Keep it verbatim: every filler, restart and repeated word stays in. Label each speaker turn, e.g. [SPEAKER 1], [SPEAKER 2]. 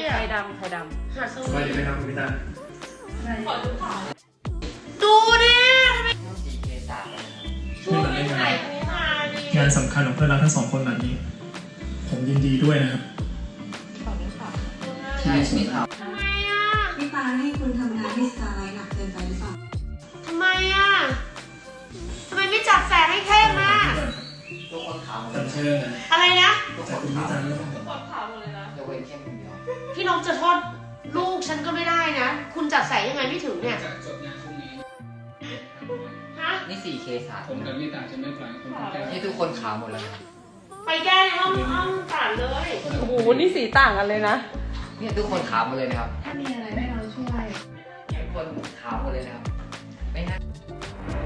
[SPEAKER 1] อ่ะไข่ดำไข่ดำหาดส
[SPEAKER 2] ส
[SPEAKER 1] วี
[SPEAKER 2] วัสดีครับคุณพิตา
[SPEAKER 1] ขอดูข่าวดูดิ
[SPEAKER 3] สี่เคสาม
[SPEAKER 1] ช่วยไม่ถ่ายอันนี้มาดิ
[SPEAKER 2] งานสำคัญของเพื่อนรักทั้งสองคนแบบนี้ผมยินดีด้วยนะครับ
[SPEAKER 1] ขอดูข่าว
[SPEAKER 3] ใช่ไม่ท
[SPEAKER 1] ทำไมอ่ะ
[SPEAKER 4] พี่ปาให้คุณทำงานที่สตาร์ไลท์หนักเกินไปหรือเปล่า
[SPEAKER 1] ทำไมอ่ะทำไมไม่จัดแสงให้เข้มอ่ะ
[SPEAKER 3] ำทุกคนขาวหมดเล
[SPEAKER 2] จั
[SPEAKER 3] ย
[SPEAKER 2] ดเชิญนะ
[SPEAKER 1] อะไรนะ
[SPEAKER 3] ทุกค
[SPEAKER 2] จาก
[SPEAKER 3] น
[SPEAKER 2] คุณพิ
[SPEAKER 3] ขาว
[SPEAKER 2] ตาด้วย
[SPEAKER 1] กดข่าวหมดเลยนะ
[SPEAKER 3] ยกเว้นเข้มคนเดียว
[SPEAKER 1] พี่นกจะโทษลูกฉันก็ไม่ได้นะคุณจัดแสงยังไงไม่ถึงเนี่ย
[SPEAKER 5] จะจบงานพรุ่งนี้
[SPEAKER 1] ฮะ
[SPEAKER 3] นี่สี่เคสาม
[SPEAKER 5] ผมกับมิตาจะไม่ปล่อยให้คนแก้
[SPEAKER 3] นี่ทุกคนขาวหมดเลยครับ
[SPEAKER 1] ไปแก้ในห้องห้องตัดเลย
[SPEAKER 6] โอ้โห นี่สีต่างกันเลยนะ
[SPEAKER 3] เนี่ยทุกคนขาวหมดเลยนะครับ
[SPEAKER 4] ถ้ามีอะไรให้เราช่วย
[SPEAKER 3] ทุกคนขาวหมดเลยนะครับไม่น่า